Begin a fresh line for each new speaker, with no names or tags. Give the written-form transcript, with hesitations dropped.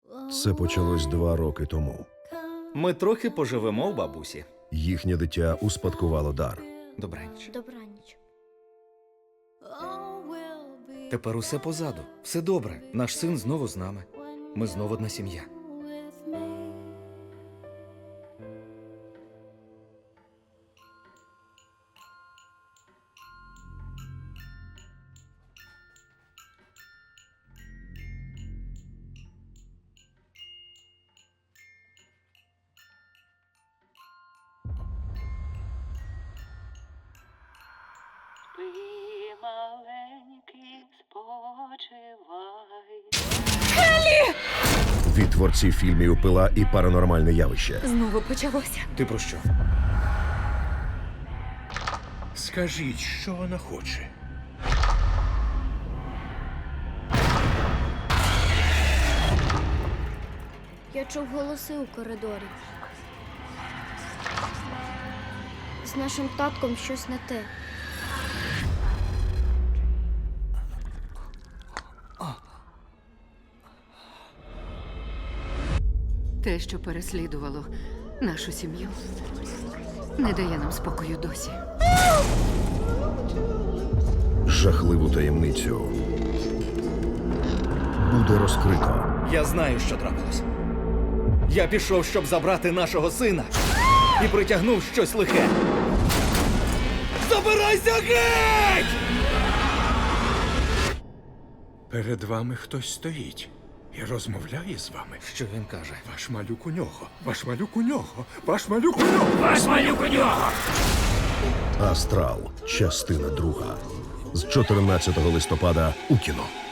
Це почалось 2 роки тому.
Ми трохи поживемо у бабусі.
Їхнє дитя успадкувало дар.
Добраніч.
Добраніч.
Тепер усе позаду. Все добре. Наш син знову з нами. Ми знову одна сім'я.
Спи, маленький, спочивай.
Від творців фільмів «Пила» і «Паранормальне явище».
Знову почалося.
Ти про що?
Скажіть, що вона хоче.
Я чув голоси у коридорі. З нашим татком щось не те.
Те, що переслідувало нашу сім'ю, не дає нам спокою досі.
Жахливу таємницю буде розкрито.
Я знаю, що трапилось. Я пішов, щоб забрати нашого сина і притягнув щось лихе. Забирайся геть!
Перед вами хтось стоїть і розмовляє з вами.
Що він каже?
Ваш малюк у нього. Ваш малюк у нього. Ваш малюк у нього. Ваш малюк у нього.
«Астрал. Частина 2». З 14 листопада у кіно.